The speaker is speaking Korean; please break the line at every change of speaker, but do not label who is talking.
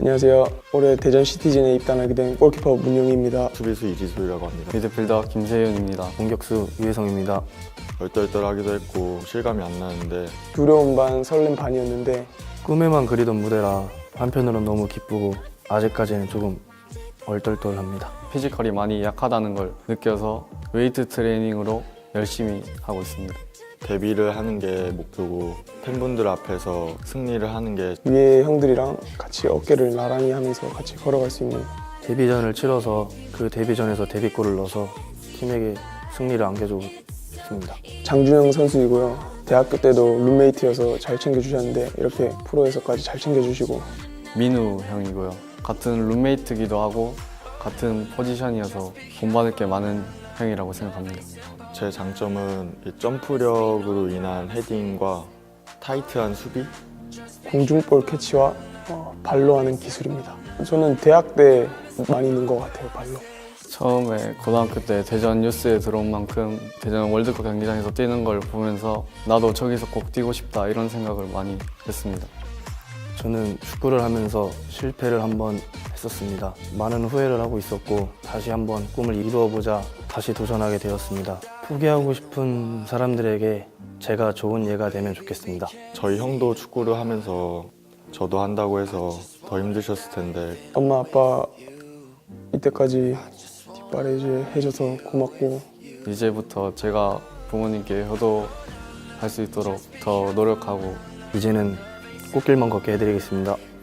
안녕하세요. 올해 대전 시티즌에 입단하게 된 골키퍼 문용희입니다.
수비수 이지수라고 합니다.
미드필더 김세윤입니다. 공격수 유혜성입니다.
얼떨떨하기도 했고 실감이 안 나는데
두려움 반 설렘 반이었는데
꿈에만 그리던 무대라 한편으로는 너무 기쁘고 아직까지는 조금 얼떨떨합니다. 피지컬이 많이 약하다는 걸 느껴서 웨이트 트레이닝으로 열심히 하고 있습니다.
데뷔를 하는 게 목표고 팬분들 앞에서 승리를 하는 게
위에 형들이랑 같이 어깨를 나란히 하면서 같이 걸어갈 수 있는
데뷔전을 치러서 그 데뷔전에서 데뷔골을 넣어서 팀에게 승리를 안겨주고 싶습니다.
장준영 선수이고요. 대학교 때도 룸메이트여서 잘 챙겨주셨는데 이렇게 프로에서까지 잘 챙겨주시고
민우 형이고요. 같은 룸메이트기도 하고 같은 포지션이어서 본받을 게 많은 형이라고 생각합니다.
제 장점은 이 점프력으로 인한 헤딩과 타이트한 수비?
공중볼 캐치와 발로 하는 기술입니다. 저는 대학 때 많이 는 것 같아요, 발로.
처음에 고등학교 때 대전 뉴스에 들어온 만큼 대전 월드컵 경기장에서 뛰는 걸 보면서 나도 저기서 꼭 뛰고 싶다 이런 생각을 많이 했습니다. 저는 축구를 하면서 실패를 한번 했었습니다. 많은 후회를 하고 있었고 다시 한번 꿈을 이루어보자 다시 도전하게 되었습니다. 포기하고 싶은 사람들에게 제가 좋은 예가 되면 좋겠습니다.
저희 형도 축구를 하면서 저도 한다고 해서 더 힘드셨을 텐데
엄마, 아빠 이때까지 뒷바라지 해줘서 고맙고
이제부터 제가 부모님께 효도할 수 있도록 더 노력하고 이제는 꽃길만 걷게 해드리겠습니다.